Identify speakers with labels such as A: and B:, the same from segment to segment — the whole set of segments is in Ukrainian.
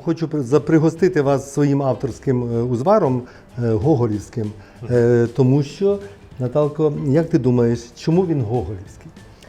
A: хочу пригостити вас своїм авторським узваром гоголівським, тому що, Наталко, як ти думаєш, чому він гоголівський?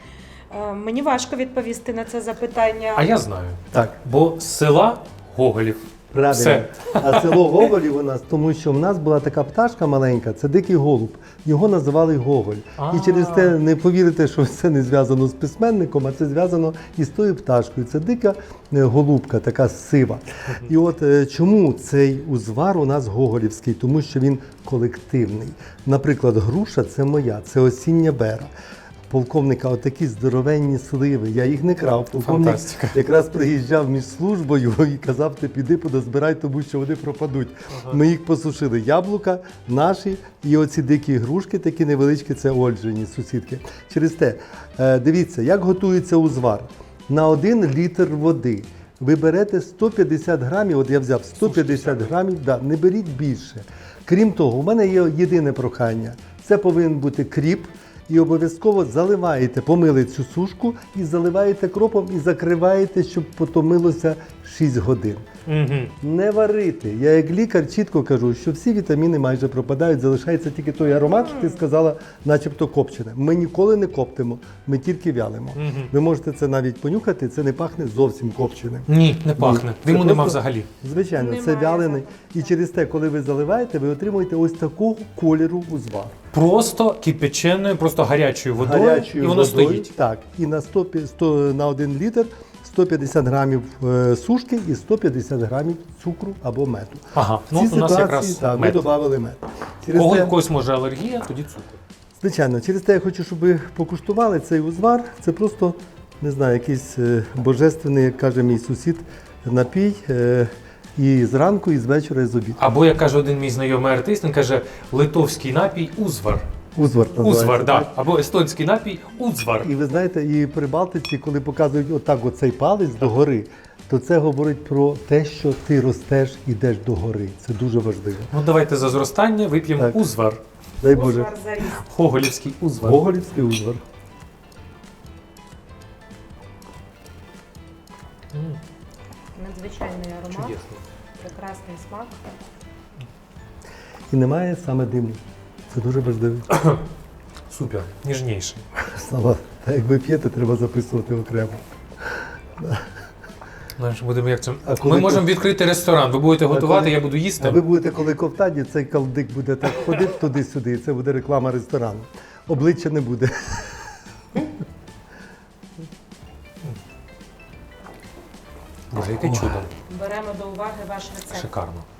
B: Мені важко відповісти на це запитання.
C: А я знаю.
A: Так.
C: Бо з села Гоголів.
A: Правильно.
C: Все.
A: А село Гоголів у нас, тому що в нас була така пташка маленька, це дикий голуб. Його називали Гоголь. І через те не повірите, що це не зв'язано з письменником, а це зв'язано із тою пташкою. Це дика голубка, така сива. І от чому цей узвар у нас гоголівський? Тому що він колективний. Наприклад, груша – це моя, це осіння бера. Полковника отакі здоровенні сливи, я їх не крав. Полковник
C: Фантастика.
A: якраз приїжджав між службою і казав, ти піди подозбирай, тому що вони пропадуть. Ми їх посушили. Яблука наші і оці дикі грушки, такі невеличкі, це Ольжині, сусідки. Через те, дивіться, як готується узвар. На 1 літр води ви берете 150 грамів, от я взяв 150 грамів, да, не беріть більше. Крім того, у мене є єдине прохання. Це повинен бути кріп. І обов'язково заливаєте, помили цю сушку і заливаєте кропом і закриваєте, щоб потомилося 6 годин. Не варити. Я як лікар чітко кажу, що всі вітаміни майже пропадають, залишається тільки той аромат, що ти сказала, начебто копчене. Ми ніколи не коптимо, ми тільки вялимо. Ви можете це навіть понюхати, це не пахне зовсім копченим.
C: Ні, не пахне.
A: Це
C: Диму нема
A: просто-
C: взагалі.
A: Звичайно, це
B: Немає
A: вялений.
B: запаху.
A: І через те, коли ви заливаєте, ви отримуєте ось такого кольору узвар.
C: Просто кипяченою, просто гарячою водою, і воно стоїть.
A: Так, і на 100 на 1 літр 150 грамів сушки і 150 грамів цукру або меду.
C: Ага, ну
A: В цій
C: у нас
A: ситуації,
C: якраз
A: так,
C: мед.
A: ми додали мед. Через
C: Кого
A: те,
C: в когось може алергія, тоді цукор.
A: звичайно, через те я хочу, щоб ви покуштували цей узвар. Це просто, не знаю, якийсь божественний, як каже мій сусід, напій. І зранку, і з вечора, і з обіду.
C: Або, як каже один мій знайомий артист, він каже, литовський напій узвар.
A: Узвар називається,
C: Узвар,
A: так?
C: так. Або естонський напій узвар.
A: І ви знаєте, і при Балтиці, коли показують отак оцей палець догори, то це говорить про те, що ти ростеш, ідеш догори. Це дуже важливо.
C: Ну давайте за зростання вип'ємо
A: Так.
C: узвар.
A: Дай Боже.
B: Узвар за ріст.
C: Гоголівський узвар.
A: Гоголівський узвар.
B: Надзвичайний аромат,
C: Чудесно.
B: прекрасний смак.
A: І немає саме диму. Це дуже важливо.
C: Супер, ніжніший.
A: Слава, та як ви п'єте, треба записувати окремо.
C: Знаєш, будемо як це.
A: А коли
C: Ми можемо відкрити ресторан. Ви будете готувати,
A: коли-
C: я буду їсти.
A: А ви будете, коли ковтані, цей калдик буде так ходити туди-сюди, і це буде реклама ресторану. Обличчя не буде.
C: Боже, яке чудо.
B: Беремо до уваги ваш рецепт.
C: Шикарно.